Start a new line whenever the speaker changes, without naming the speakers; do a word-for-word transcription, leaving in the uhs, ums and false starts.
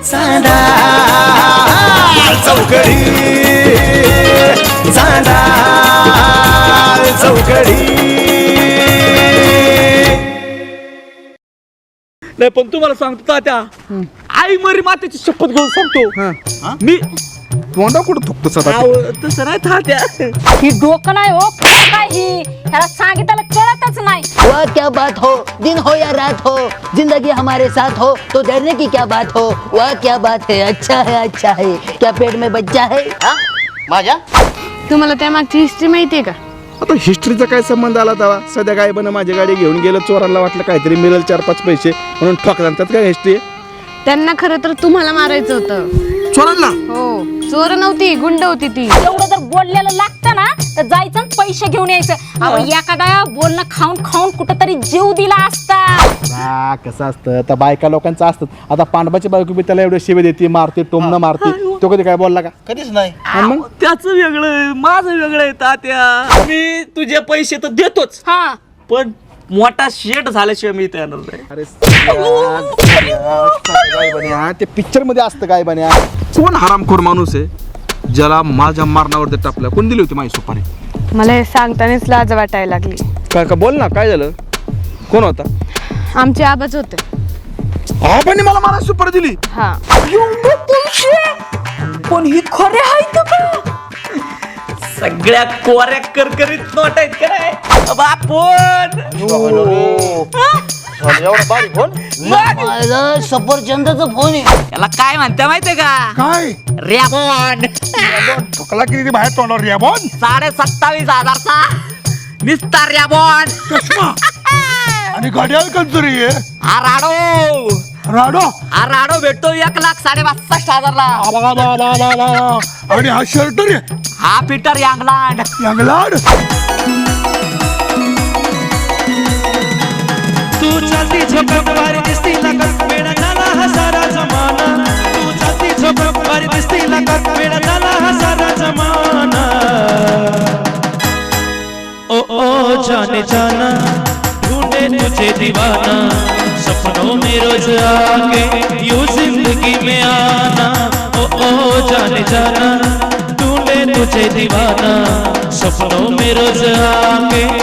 चांदा चौकडी चांदा चौकडी.
नाही पण तुम्हाला सांगतो तात्या, आई मरी मातेची शपथ घेऊन सांगतो मी.
तोंडा कुठं थुकतो सदा?
आव, तसं नाही तात्या.
ही डोकं नाही हो काय ही, ह्याला सांगितलं कळतच नाही.
वह क्या बात हो, दिन हो या रात हो, जिंदगी हमारे साथ हो तो डरने की क्या बात हो. वह क्या बात है, अच्छा है अच्छा है, क्या पेट में बच्चा है.
माझ्या
तुम्हाला त्या मागची हिस्ट्री माहितीये का?
आता हिस्ट्रीचा काय संबंध आला तवा? सध्या काय बन माझी गाडी घेऊन गेलं, चोरांना वाटलं काहीतरी मिळेल चार पाच पैसे म्हणून ठोकला. त्यात काय हिस्ट्री आहे?
त्यांना खरं तर तुम्हाला मारायचं होतं.
चोरांना?
हो, चोर नव्हती, गुंड होती ती.
एवढं जर बोललेलं लागतं ना तर जायचं आणि पैसे घेऊन यायचं. अहो एखादा बोलणं खाऊन खाऊन कुठंतरी जीव दिला असता.
हा, कसं असतं आता बायका लोकांचं असतं. आता पांडवाची बायको बी त्याला एवढे शिवे देते, मारते, टोमणं मारते. तो कधी काय बोलला का?
कधीच नाही.
आव, त्याचं वेगळं माझं वेगळं आहे तात्या. मी तुझे पैसे तर देतोच,
हा
पण मोठा शेट झाल्याशिवाय मी येणार नाही.
अरे काय बन्या, ते पिक्चर मध्ये असतं काय बन्या. कोण हरामखोर माणूस आहे ज्याला माझ्या मारणावर टापलं? कोण दिली होती माझी सुपारी?
मला हे सांगतानाच लाज वाटायला लागली.
काय का बोल ना, काय झालं? कोण होता?
आमचे आबाच होते.
आबांनी मला मारा सुपारी दिली?
हा.
पण ही खरे आहेत का? सगळ्या कोऱ्या करकरीत नोट आहेत काय बापून?
सफरचंदाचा फोन आहे.
त्याला काय म्हणते माहितीये का?
काय
रॅबॉन.
ठोकला किती बाहेर तोंडावर रॅबॉन?
साडे सत्तावीस हजारचा निस्ता रॅबॉन.
आणि गाडी कंचुरी आहे.
हा राडो
राडो
हा राडो भेटतो एक लाख साडे बासष्ट हजारला.
आणि हा शर्ट रे
हा पीटर यांगलांड.
यांगलाड.
तू चलती झोपक वारी दिसती लागत वेडा झाला हा सारा जमाना. तू चलती झोपक वारी दिसती लागत वेडा झाला हा सारा जमाना. ओ ओ जाने जाना ढूंढे तुझे दीवाना. सपनों में रोज आके यूं जिंदगी में आना. ओ ओ जाने जाना ढूंढे तुझे दीवाना. सपनों में रोज आके